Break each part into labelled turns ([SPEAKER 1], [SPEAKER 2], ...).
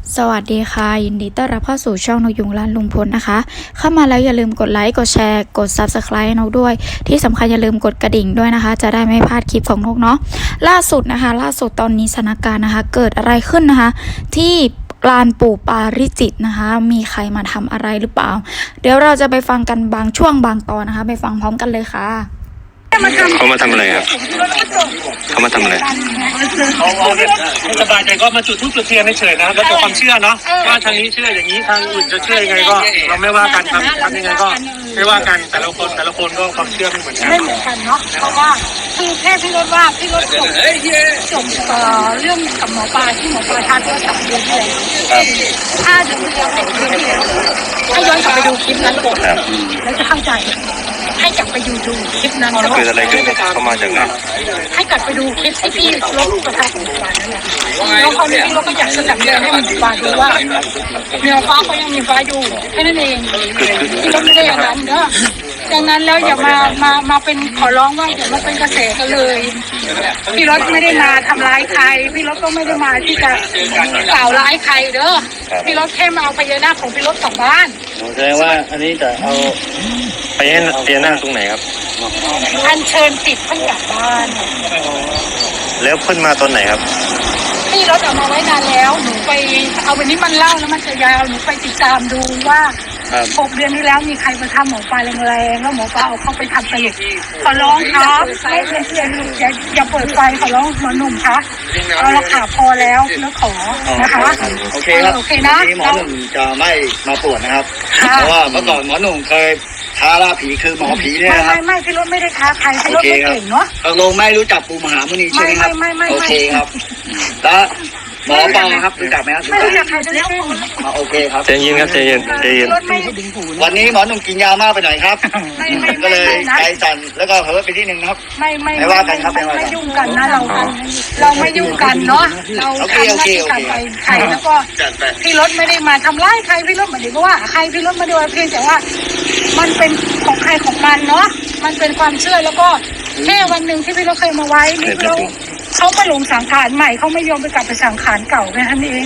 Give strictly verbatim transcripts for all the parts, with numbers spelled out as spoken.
[SPEAKER 1] สวัสดีค่ะยินดีต้อนรับเข้าสู่ช่องนกยุงร้านลุงพลนะคะเข้ามาแล้วอย่าลืมกดไลค์กดแชร์กด ซับสไครบ์ ให้นกด้วยที่สำคัญอย่าลืมกดกระดิ่งด้วยนะคะจะได้ไม่พลาดคลิปของนกเนาะล่าสุดนะคะล่าสุดตอนนี้สถานการณ์นะคะเกิดอะไรขึ้นนะคะที่ลานปู่ปาริจิตนะคะมีใครมาทำอะไรหรือเปล่าเดี๋ยวเราจะไปฟังกันบางช่วงบางตอนนะคะไปฟังพร้อมกันเลยค่ะ
[SPEAKER 2] เขามาทำอะไรครับเขามาทำอะไร
[SPEAKER 3] ไม่สบายใจก็มาจุดธูปจุดเทียนเฉยๆนะแล้วแต่ความเชื่อเนาะว่าทางนี้เชื่ออย่างนี้ทางอื่นจะเชื่อยังไงก็เราไม่ว่ากันทำทำยังไงก็ไม่ว่ากันแต่ละคนแต่ละคนก็ความเชื่อไม่เหมือนกัน
[SPEAKER 4] ไม่เหมือนกันเนาะเพราะว่าคือแค่พี่รถว่าพี่รถจบจบเอ่อเรื่องกับหมอปลาที่หมอปลาทักว่าสามเดือนที่แล้วห้าเดือนที่แล้วหกเดือนที่แล้วให้ย้อนกลับไปดูคลิปนั้นก่อนแล้วจะเข้าใจให้กลับไปดูดูคลิปนั้น
[SPEAKER 2] เกิดอะไรขึ้นเขามาจากไหน
[SPEAKER 4] ให้กลับไปดูคลิปที่พี่รถประทับหมอปลานั่นแหละแล้วคราวนี้พี่รถก็อยากจะจับเดือนให้หมอปลาดูว่าเนื้อฟ้าเขายังมีฟ้าอยู่แค่นั้นเองพี่รถไม่ได้อย่างนั้นเนอะดังนั้นแล้วอย่ามามามาเป็นขอร้องว่าอย่ามาเป็นกระแสกันเลยพี่รถไม่ได้มาทำร้ายใครพี่รถก็ไม่ได้มาที่จะกล่าวร้ายใครเด้อพี่รถแค่มาเอาพญานาคของพี่รถกลับบ้าน
[SPEAKER 2] แสดงว่าอันนี้จะเอาไปให้พญานาคตรงไหนครับ
[SPEAKER 4] อัญเชิญติดเพิ่งกลับบ้าน
[SPEAKER 2] แล้วเพิ่นมาตอนไหนครับ
[SPEAKER 4] พี่รถเอามาไว้นานแล้วหนูไปเอาวันนี้มันเล่าแล้วมันจะยาวหนูไปติดตามดูว่าหกเดือนที่แล้วมีใครมาทำหมอปลาแรงๆแล้วหมอปลาเอาเข้าไปทำไปขอร้องครับไม่เพื่อนๆอย่าอย่าเปิดไฟขอร้องหมอหนุ่มคะเอาละค่ะพอแล้วแล้วขอนะคะ
[SPEAKER 5] โอเคครับ
[SPEAKER 4] โอเคนะ
[SPEAKER 5] หมอหนุ่มจะไม่มาปวดนะครับเพราะว่าเมื่อก่อนหมอหนุ่มเคยท้าล่าผีคือหมอผีเนี่ยนะครับ
[SPEAKER 4] ไม่ไม่พี่รถไม่ได้ท้าใครพี่รถไม่เก่งเนาะ
[SPEAKER 5] ตกลงไม่รู้จักปู่มหามุนีใช่ไหมครับโอเคครับแล้วหมอปลาครับรู้จักไหมครับ
[SPEAKER 4] ไม่รู้จักใครจะเล่า
[SPEAKER 5] โอเคครับ
[SPEAKER 2] ใจเย็นครับใจเย็นใจเย็น
[SPEAKER 5] วันนี้หมอหนุ่มกินยามากไปหน่อยครับก็เลยใจสั่นแล้วก็เผลอไปที่หนึ่งครับ
[SPEAKER 4] ไม่ไม่
[SPEAKER 5] ไม่ว่ากันครับไม่ว่า
[SPEAKER 4] ไม่ยุ่งกันนะเราเราไม่ยุ่งกันเนาะเราทำหน้าที่การไปใครแล้วก็พี่รถไม่ได้มาทำร้ายใครพี่รถไม่ได้ว่าใครพี่รถมาดูเพียงแต่ว่ามันเป็นของใครของมันเนาะมันเป็นความเชื่อแล้วก็แค่วันหนึ่งที่พี่รถเคยมาไว้นี่เราเขามาลงสังขารใหม่เขาไม่ยอมไปกลับไปสังขารเก่าแค่นั้นเอง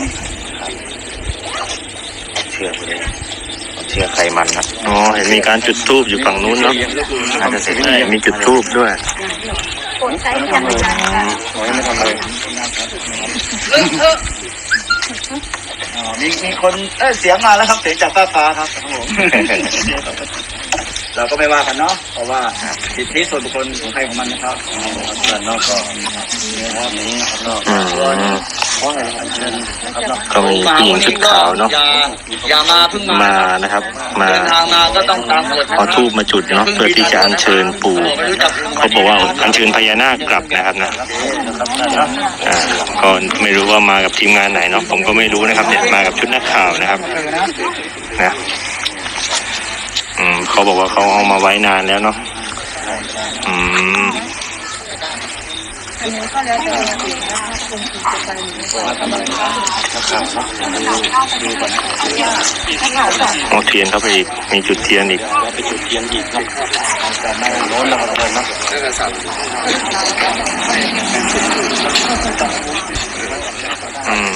[SPEAKER 2] เชื่อเลยเชื่อใครมันนะอ๋อเห็นมีการจุดธูปอยู่ฝั่งนู้นเนาะอาจจะเสร็จมีจุดธูปด้วย
[SPEAKER 4] กดใช้กันไม่ได้
[SPEAKER 2] ไม่ทำอะไร
[SPEAKER 5] มีมีคนเออเสียงมาแล้วครับเสียงจากฟ้าฟ้าครับผมเราก็ไม่ว่ากันเนาะเพราะว่าสิทธิส่วนบุคคลของใครของมันนะครับส่วนนอกก็นะครับนี้นอกส่วน
[SPEAKER 2] ก็มีผู้หญิงชุดขาวเนาะ
[SPEAKER 5] อย่ามาเพิ่ง
[SPEAKER 2] มานะครับมา
[SPEAKER 5] ทางมาก็ต้องตามกฎ
[SPEAKER 2] เอาธูปมาจุดเนาะเพื่อที่จะอัญเชิญปู่เขาบอกว่าอัญเชิญพญานาคกลับนะครับนะอ่าก็ไม่รู้ว่ามากับทีมงานไหนเนาะผมก็ไม่รู้นะครับเนี่ยมากับชุดนักข่าวนะครับนะอืมเขาบอกว่าเขาเอามาไว้นานแล้วเนาะอืมเอาเทียนเข้าไปอีกมีจุดเทียนอีกไปจุดเทียนอีกครับแต่ไม่โน้นแล้วครับนะอืม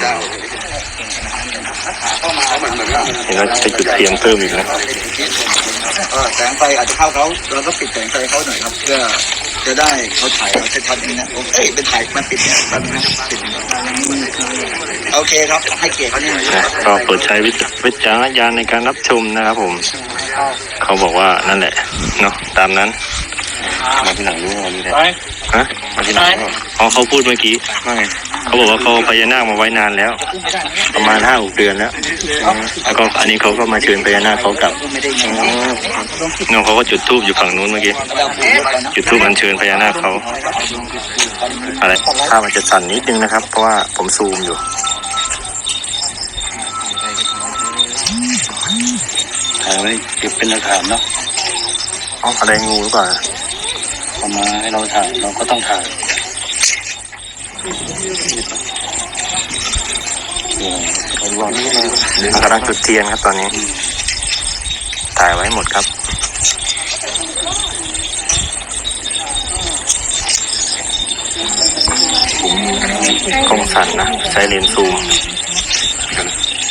[SPEAKER 2] เห็นว่าจะจุดเทียนเพิ่มอีกนะ
[SPEAKER 5] แสงไฟอาจจะเข้าเขาเราก็ปิดแสงไฟเขาหน่อยครับเพื่อจะได้เขาถ่ายเราชัดๆนี่นะเอ้ยเป็นถ่ายมันปิดเนี่ยแบบนี้ปิดโอเคครับให้เกียรติเขาเนี่ย
[SPEAKER 2] ก็โปรดใช้วิจารณญาณในการรับชมนะครับผมเขาบอกว่านั่นแหละเนาะตามนั้นมาที่หลังรู้ว่ามีอะไรฮะมาที่หลังอ๋อเขาพูดเมื่อกี้ว่าไงเขาบอกว่าเขาพญานาคมาไว้นานแล้วประมาณห้าหกเดือนแล้วแล้วก็อันนี้เขาก็มาเชิญพญานาคเขากลับน้องเขาก็จุดธูปอยู่ฝั่งนู้นเมื่อกี้จุดธูปอัญเชิญพญานาคเขาอะไรถ้ามันจะสั่นนิดนึงนะครับเพราะว่าผมซูมอยู่
[SPEAKER 5] ถ่ายไว้เก็บเป็นหลักฐานเนาะ
[SPEAKER 2] อ๋ออะไรงูหรือเปล่า
[SPEAKER 5] เอามาให้เราถ่ายเราก็ต้องถ่าย
[SPEAKER 2] กำลังจุดเทียนครับตอนนี้ถ่ายไว้หมดครับกล้องสั่นนะใช้เลนส์ซูม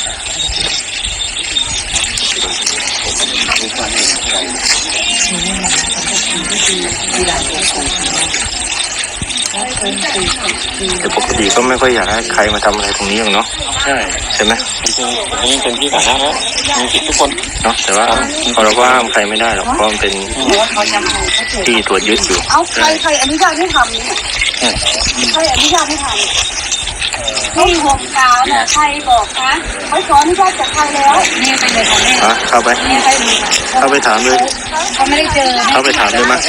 [SPEAKER 2] แต่ปกติก็ไม่ค่อยอยากให้ใครมาทำอะไรตรงนี้หรอกเนาะใช่ใช่ไหม
[SPEAKER 3] นี่เป็นที่สาธารณะมีสิทธิ์ทุกคน
[SPEAKER 2] เนาะแต่ว่าพอเราก็ห้ามใครไม่ได้หรอกเพราะมันเป็นที่ตรวจยึดอยู่
[SPEAKER 4] เอาใครใครอนุญาตให้ทำเนี่ยใครอนุญาตให้ทำนี่หกสาวเนี่ยใครบอกคะเขาขออนุญาตจากใครแล้วนี่ไปเลยค่ะแม่
[SPEAKER 2] อ่ะเข้าไป
[SPEAKER 4] นี่ไปเลยค่ะ
[SPEAKER 2] เข้าไปถามเลย
[SPEAKER 4] เขาไม่ได้เจอ
[SPEAKER 2] เข้าไปถามเลยมา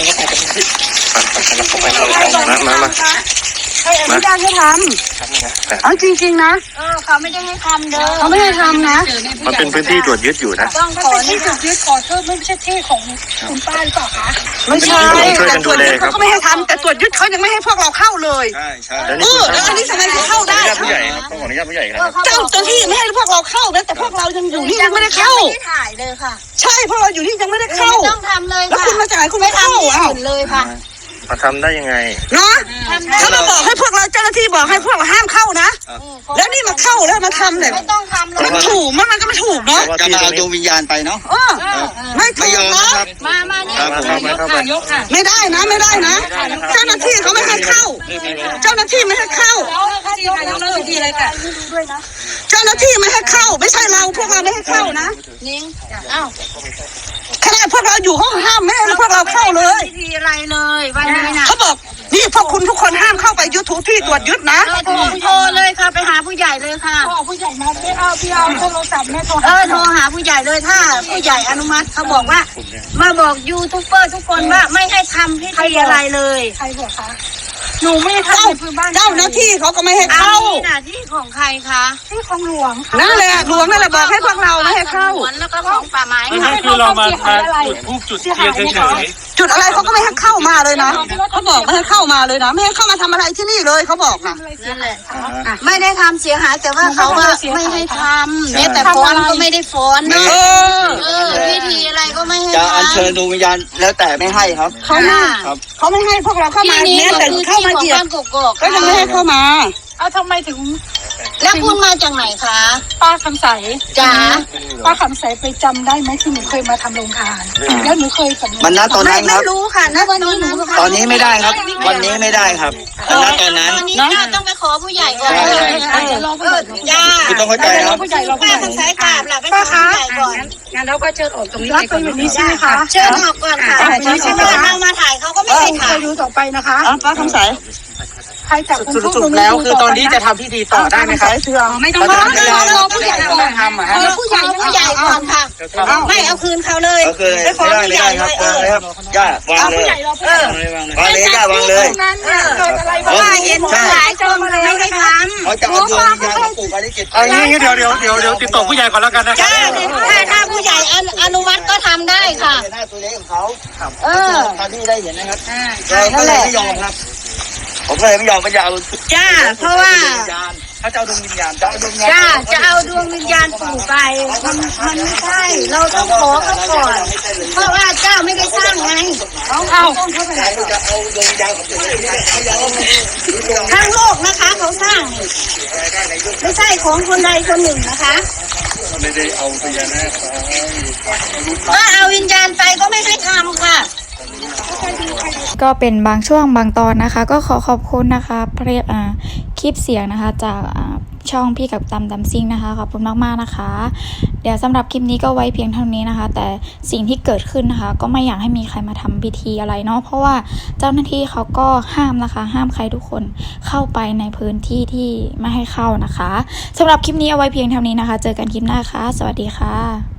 [SPEAKER 2] มามามา
[SPEAKER 4] ใครอนุญาตให้ทำเอาจริงๆนะเออเขาไม่ได้ให้ทำเด้อเขาไม่ให้ทำนะ
[SPEAKER 2] มันเป็นพื้นที่ตรวจยึดอยู่นะ
[SPEAKER 4] ต้องขอที่จุดยึดขอโทษไม่ใช่ที่ของคุณป้าหรือเปล่าคะไม่ใช่
[SPEAKER 2] ช่วยกันดูแลครับ
[SPEAKER 4] เขาก็ไม่ให้ทำแต่ตรวจยึดเขายังไม่ให้พวกเราเข้าเลย
[SPEAKER 5] ใช่ใช่
[SPEAKER 2] แล้ว
[SPEAKER 4] เอ
[SPEAKER 2] นี่
[SPEAKER 4] อแล้วอันนี้ทำไมถึงเข้าได้
[SPEAKER 2] ผู้ใหญ่ครับต้องขออนุญาตผู้ใหญ่ครับ
[SPEAKER 4] เจ้าเจ้าที่ไม่ให้พวกเราเข้านะแต่พวกเรายังอยู่นี่ยังไม่ได้เข้า
[SPEAKER 6] ไม่ได้ถ่ายเลยค่ะ
[SPEAKER 4] ใช่พวกเราอยู่นี่ยังไม่ได้เข้า
[SPEAKER 6] ไม่ต้องทำเลย
[SPEAKER 4] แล้ว
[SPEAKER 6] ค่ะ
[SPEAKER 4] คุณมาจากไหนคุณไม่เข้า
[SPEAKER 6] ที่
[SPEAKER 4] อ้าว
[SPEAKER 6] อื่นเลยค่ะ
[SPEAKER 2] มาทำได้ยังไง
[SPEAKER 4] เนาะเขามาบอกให้พวกเราเจ้าหน้าที่บอกให้พวกเราห้ามเข้านะแล้วนี่มาเข้าแล้วมาทำเนี่ย
[SPEAKER 6] ไม่ต้องทำเลย
[SPEAKER 4] มันถูกมันมันก็ไม่ถูกเนาะ
[SPEAKER 5] จะมาเอาดวงวิญญาณไปเนาะ
[SPEAKER 4] เออไม่ถู
[SPEAKER 5] ไม่
[SPEAKER 4] ก
[SPEAKER 5] ยอม
[SPEAKER 4] เนาะ
[SPEAKER 5] นะครับ
[SPEAKER 6] มามานี่
[SPEAKER 2] ครับเข้าไปเข้าไป
[SPEAKER 4] ไม่ได้นะไม่ได้นะ เจ้าหน้าที่เขาไม่ให้เข้า เจ้าหน้าที่ไม่ให้เข้า
[SPEAKER 6] ที่นายกเลิกที่อะไรค่ะ
[SPEAKER 4] เจ้าหน้าที่ไม่ให้เข้า ไม่ใช่เราพวกเราไม่ให้เข้านะ
[SPEAKER 6] นิ้งอ้าว
[SPEAKER 4] ขนาดพวกเราอยู่ห้องห้ามไม่ให้พวกเราเข้าเลย
[SPEAKER 6] ไม่ทีอะไรเลยวันนี้นะ
[SPEAKER 4] เขาบอกนี่พวกคุณทุกคนห้ามเข้าไปยูทูบที่ตรวจยึดนะ
[SPEAKER 6] โทรโทรเลยค่ะไปหาผู้ใหญ่เลยค่ะ
[SPEAKER 4] เอาผู้ใหญ่มาไม่เอาพี่เอาโทรศัพท์แม่โทร
[SPEAKER 6] เออโทรหาผู้ใหญ่เลยถ้าผู้ใหญ่อนุมัติเขาบอกว่า มาบอกยูทูบเบอร์ทุกคนว่าไม่ให้ทำพิธีอะไรเลย
[SPEAKER 4] ใครบอกคะหนูไม่ได้เข้าพื้นบ้านเจ้าหน้าที่เขาก็ไม่ให้
[SPEAKER 6] อัน
[SPEAKER 4] เข้า
[SPEAKER 6] นี้น่ะที่ของใครคะ
[SPEAKER 4] ที่ของหลวงนั่นแหละหลวงนั่นแหละบอกให้พวกเราไม่ให้เข้า
[SPEAKER 6] สวนแล้วก็ของป่าไม้
[SPEAKER 3] ไม่
[SPEAKER 6] ค่ะ
[SPEAKER 3] ใช่คือเรามาจุดทูบจุดเทียนเฉย
[SPEAKER 4] จุดอะไรเขาก็ไม่ให้เข้ามาเลยนะเขาบอกไม่ให้เข้ามาเลยนะไม่ให้เข้ามาทำอะไรที่นี่เลยเขาบอกนะ
[SPEAKER 6] นั่นแหละไม่ได้ทำเสียหายแต่ว่าเขาว่าไม่ให้ทำเนี่ยแต่ฟ้อนก็ไม่ได้ฟ้อน
[SPEAKER 4] เออ
[SPEAKER 6] เออพิธีอะไรก็ไม่ให้
[SPEAKER 5] จะอัญ
[SPEAKER 6] ทำ
[SPEAKER 5] เชิญดวงวิญญาณแล้วแต่ไม่ให้ครับ
[SPEAKER 4] เขาไม่
[SPEAKER 5] ครับ
[SPEAKER 4] เขาไม่ให้พวกเราเข้ามา
[SPEAKER 6] ที่นี้
[SPEAKER 4] แม้
[SPEAKER 6] ก็
[SPEAKER 4] แต่
[SPEAKER 6] คือ
[SPEAKER 4] เข้า
[SPEAKER 6] ที่
[SPEAKER 4] มา
[SPEAKER 6] ของ
[SPEAKER 4] เหยียบ
[SPEAKER 6] บ้านกกอก
[SPEAKER 4] ก็ยังไม่ให้เข้ามา
[SPEAKER 7] เอาทำไมถึง
[SPEAKER 6] แล้วคุณมาจากไหนคะ
[SPEAKER 7] ป้าคำใส
[SPEAKER 6] จ๋า
[SPEAKER 7] ป้าคำใสไปจำได้ไหมที่หนูเคยมาทำโรงทาน แล้วหนูเคยสำนึก
[SPEAKER 5] มันณตอน
[SPEAKER 6] ไม่
[SPEAKER 5] นั้นค
[SPEAKER 6] ไม่
[SPEAKER 5] รับ
[SPEAKER 6] รู้ค่ะณวันนี้หนู
[SPEAKER 5] ตอนนี้ไม่ได้ครับ วันนี้ไม่ได้ครับณตอนนั้น
[SPEAKER 6] วันนี้จ้าต้องไปขอผู้ใหญ่ก่อน
[SPEAKER 5] ใช่
[SPEAKER 7] อาจจะรอผู้ใหญ่
[SPEAKER 6] จ้า
[SPEAKER 5] คุณต้องเข้าใจครับ
[SPEAKER 7] ผู้ใหญ่รอผู้
[SPEAKER 6] ป้า
[SPEAKER 7] ใหญ่
[SPEAKER 6] คำสายกราบหลับไปขอผู้ใหญ่ก่อน
[SPEAKER 7] งั้นเราก็เชิญออกตรงนี้ไปก่อนอยู่นี่ใช่ไหมคะ
[SPEAKER 6] เชิญออกก่อนค่ะเพราะว่าเอามาถ่ายเขาก็ไม่ให้
[SPEAKER 7] จะ
[SPEAKER 6] ถ่าย
[SPEAKER 7] อยู่ต่อไปนะคะ
[SPEAKER 4] อ่ะป้าคำใส
[SPEAKER 7] ใครจับคุณ
[SPEAKER 3] ๆสรุปแล้วคือตอนนี้จะทำพิธีต่อได้ไหมครับ
[SPEAKER 4] เสื่อม
[SPEAKER 7] ไม่ต้องรอรอรอผู้ใหญ่ก่อน
[SPEAKER 3] ทำอ่ะ
[SPEAKER 6] ข
[SPEAKER 3] ฮะ
[SPEAKER 6] อผู้ใหญ่ผู้ใหญ่ก่อนค่ะไม่เอาคืนเขาเลย
[SPEAKER 5] ก็คือไม่ได้ไม่ได้ครับวางเลยครับย่าวางเลย
[SPEAKER 6] เออ
[SPEAKER 5] วางเลยย่าวางเลย
[SPEAKER 7] นั้นเนี่ยเกิดอะไร
[SPEAKER 6] เพราะว่าเห็นหลายคนไม่ให้ทำ
[SPEAKER 5] เขาจะเอาดวงวิญญาณของปู่ปาริจิต
[SPEAKER 3] เอางี้เดี๋ยวเดี๋ยวเดี๋ยวเดี๋ยวติดต่อผู้ใหญ่ก่อนแล้วกันนะครั
[SPEAKER 6] จ้าถ้าถ้าผู้ใหญ่อนุมัติก็ทำได้ค่ะ
[SPEAKER 5] หน้าตัวเล็กของเขา
[SPEAKER 6] เออ
[SPEAKER 5] ตอนที่ได้เห็นนะครับเราก็เลยไม่ยอมครับ ผมก็เลยไม่ยอมก็จะเอา
[SPEAKER 6] จ้าเพราะว่า
[SPEAKER 5] วิญญาณเขาจะเอาดวงวิญญาณจะเอาดวงวิญญาณ
[SPEAKER 6] จ้าจะเอาดวงวิญญาณปู่ไปมันมันไม่ใช่เราต้องขอเขาก่อนเพราะว่าเจ้าไม่ได้สร้างไง
[SPEAKER 7] เอาเอา
[SPEAKER 5] จะเอาดวงวิญญาณของปู่เขาจะเอา
[SPEAKER 6] ทั้งโลกนะคะเขาสร้างนี่ไม่ใช่ของคนใดคนหนึ่งนะคะไม่ได้เอาวิญญาณก็เอาวิญญาณไปก็ไม่ให้ทำค่ะ
[SPEAKER 1] ก็เป็นบางช่วงบางตอนนะคะ ก็ขอขอบคุณนะคะเพลอ่าคลิปเสียงนะคะจากอ่าช่องพี่กับตำดำซิ่งนะคะขอบคุณมากๆนะคะเดี๋ยวสำหรับคลิปนี้ก็ไว้เพียงเท่านี้นะคะแต่สิ่งที่เกิดขึ้นนะคะก็ไม่อยากให้มีใครมาทำพิธีอะไรเนาะเพราะว่าเจ้าหน้าที่เขาก็ห้ามนะคะห้ามใครทุกคนเข้าไปในพื้นที่ที่ไม่ให้เข้านะคะสำหรับคลิปนี้เอาไว้เพียงเท่านี้นะคะเจอกันคลิปหน้าค่ะสวัสดีค่ะ